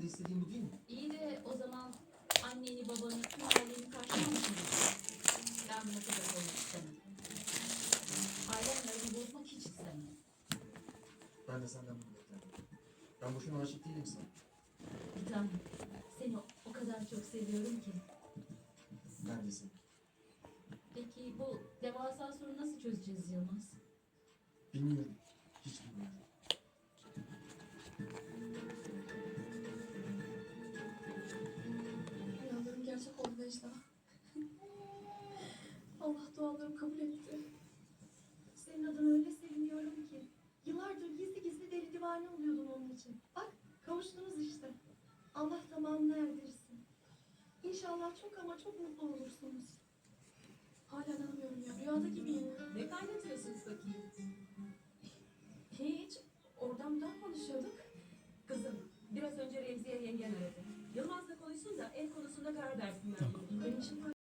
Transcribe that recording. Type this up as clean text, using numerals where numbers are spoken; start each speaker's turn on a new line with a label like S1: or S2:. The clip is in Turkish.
S1: istediğim bu değil mi?
S2: İyi de o zaman anneni, babanı, tüm aileni karşılamışsın. Ben buna kadar olmak istemem. Ailemle aramı bozmak hiç istemem.
S1: Ben de senden bunu beklerdim. Ben boşuna aşık değilim sana.
S2: Bir tanem, seni o kadar çok seviyorum ki.
S1: Ben de seni.
S2: Peki bu devasa sorunu nasıl çözeceğiz Yılmaz?
S1: Bilmiyorum. Hiç bilmiyorum.
S3: Rüyalarım gerçek oldu Necla. Allah dualarımı kabul etti.
S4: Senin adına öyle seviniyorum ki. Yıllardır gizli gizli deli divane oluyordun onun için. Bak kavuştunuz işte. Allah tamamını erdirsin. İnşallah çok ama çok mutlu olursunuz.
S3: Hala inanmıyorum ya. Rüyada gibiyim.
S5: Ne kaynatıyorsunuz bakayım?
S3: Hiç. Oradan buradan konuşuyorduk.
S5: Kızım, biraz önce Remziye yengen aradı. Yılmaz'la konuşsun da ev konusunda karar versinler.
S3: Benim için